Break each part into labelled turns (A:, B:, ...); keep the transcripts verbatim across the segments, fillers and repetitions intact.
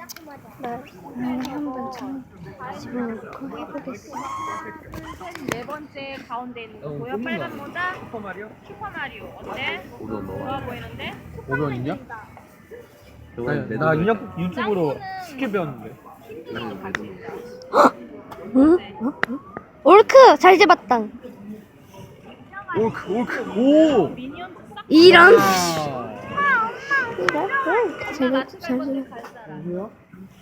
A: 나 나를 한번 참 집어넣고 해보겠어.
B: 네 번째 가운데 있는 거 보여? 빨간 모자?
C: 슈퍼마리오?
B: 슈퍼마리오 어때?
D: 오변
B: 좋아
D: 넣어.
B: 보이는데?
C: 오변이냐?
D: 저건
C: 나
D: 매듭
C: 인형 유튜브로
B: 짱구는-
C: 쉽게 배웠는데.
D: 나는 매듭.
A: 응? 어? 어? 옳크 잘 잡았당.
C: 올크 올크 오.
B: 미니언 싹
A: 이런.
C: 아.
A: 이런. 응, 잘 잘 잘.
C: 뭐야?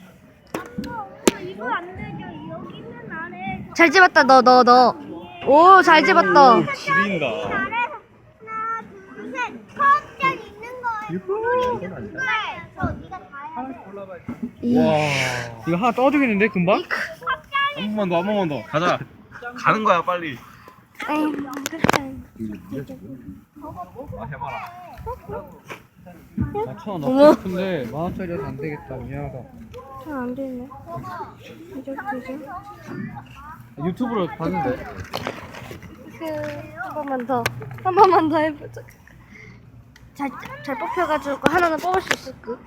E: 이거 안 되죠. 여기는 아래.
A: 잘 집었다 너 너 너. 오 잘 집었다.
C: 오, 지린다.
E: 아래서 하나, 둘, 셋. 커튼 있는 거예요.
C: 유후.
E: 이건 안 돼. 저 네가 다 해야 돼.
A: 이.
C: 와. 이거 하나 떠주겠는데 금방?
D: 한 번만 더, 한 번만 더. 가자. 가는 거야, 빨리.
A: 아유 끝장.
D: 아, 해봐라.
C: 아, 천원
A: 어머.
C: 넣고 싶은데 만 원짜리라서 안 되겠다. 미안하다.
A: 잘안 되네. 이죠 이죠.
C: 유튜브로 봤는데.
A: 그한 번만 더. 한 번만 더 해보자. 잘 잘 뽑혀가지고 하나는 뽑을 수 있을 듯.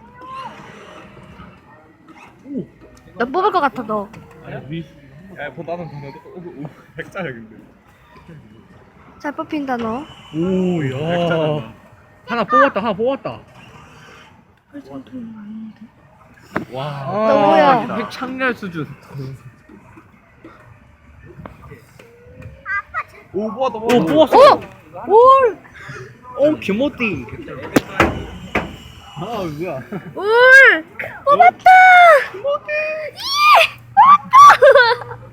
A: 너 뽑을 것 같아 너.
D: 아니, 야, 뭐 나는 나는 오, 오, 백짜야 근데.
A: 잘 뽑힌다 너.
C: 오, 야. 하나 뽑았다. 하나 뽑았다. 와.
A: 너 뭐야?
C: 핵창렬 수준.
D: 오, 뽑았다,
C: 오,
D: 뽑았다.
C: 뽑았어.
A: 오! 올!
C: 오, 김모띠. 아, 뭐야.
A: 올! 뽑았다! 예! 뽑았다!